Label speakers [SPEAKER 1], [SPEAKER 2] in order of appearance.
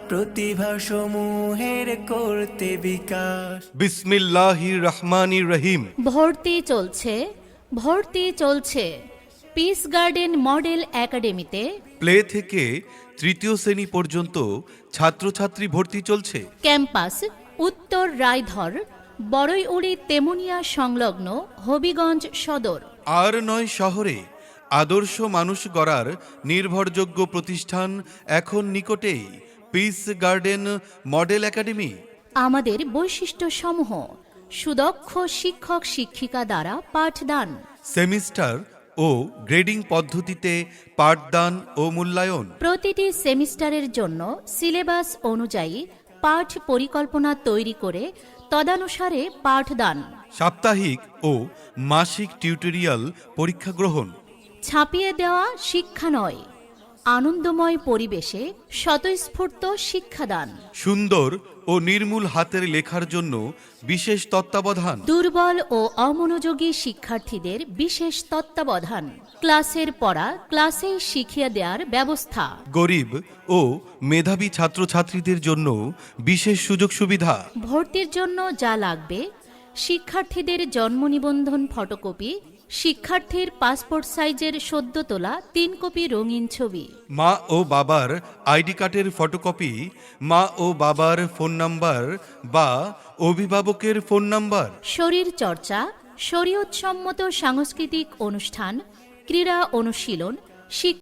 [SPEAKER 1] প্রতিভা সমূহের করতে বিকাশ।
[SPEAKER 2] বিসমিল্লাহির রহমানির রহিম।
[SPEAKER 3] ভর্তি চলছে পিস গার্ডেন মডেল একাডেমিতে।
[SPEAKER 2] প্লে থেকে তৃতীয় শ্রেণী পর্যন্ত ছাত্রছাত্রী ভর্তি চলছে।
[SPEAKER 3] ক্যাম্পাস উত্তর রায়ধর, বড়ইউড়ি তেমুনিয়া সংলগ্ন হবিগঞ্জ সদর।
[SPEAKER 2] আর ৯ শহরে আদর্শ মানুষ গড়ার নির্ভরযোগ্য প্রতিষ্ঠান এখন নিকটেই, পিস গার্ডেন মডেল একাডেমি।
[SPEAKER 3] আমাদের বৈশিষ্ট্যসমূহ: সুদক্ষ শিক্ষক শিক্ষিকা দ্বারা পাঠদান,
[SPEAKER 2] সেমিস্টার ও গ্রেডিং পদ্ধতিতে পাঠদান ও মূল্যায়ন।
[SPEAKER 3] প্রতিটি সেমিস্টারের জন্য সিলেবাস অনুযায়ী পাঠ পরিকল্পনা তৈরি করে তদানুসারে পাঠদান।
[SPEAKER 2] সাপ্তাহিক ও মাসিক টিউটোরিয়াল পরীক্ষা গ্রহণ।
[SPEAKER 3] ছাপিয়ে দেওয়া শিক্ষা নয়, আনন্দময় পরিবেশে স্বতঃস্ফূর্ত শিক্ষাদান।
[SPEAKER 2] সুন্দর ও নির্মূল হাতের লেখার জন্য বিশেষ তত্ত্বাবধান।
[SPEAKER 3] দুর্বল ও অমনোযোগী শিক্ষার্থীদের বিশেষ তত্ত্বাবধান। ক্লাসের পড়া ক্লাসেই শিখিয়ে দেওয়ার ব্যবস্থা।
[SPEAKER 2] গরিব ও মেধাবী ছাত্রছাত্রীদের জন্য বিশেষ সুযোগ সুবিধা।
[SPEAKER 3] ভর্তির জন্য যা লাগবে: শিক্ষার্থীদের জন্ম নিবন্ধন ফটোকপি, শিক্ষার্থীর পাসপোর্ট সাইজের সদ্য তোলা 3 কপি রঙিন ছবি,
[SPEAKER 2] মা ও বাবার আইডি কার্ডের ফটোকপি, মা ও বাবার ফোন নাম্বার বা অভিভাবকের ফোন নাম্বার।
[SPEAKER 3] শরীর চর্চা, শরীয়তসম্মত সাংস্কৃতিক অনুষ্ঠান, ক্রীড়া অনুশীলন,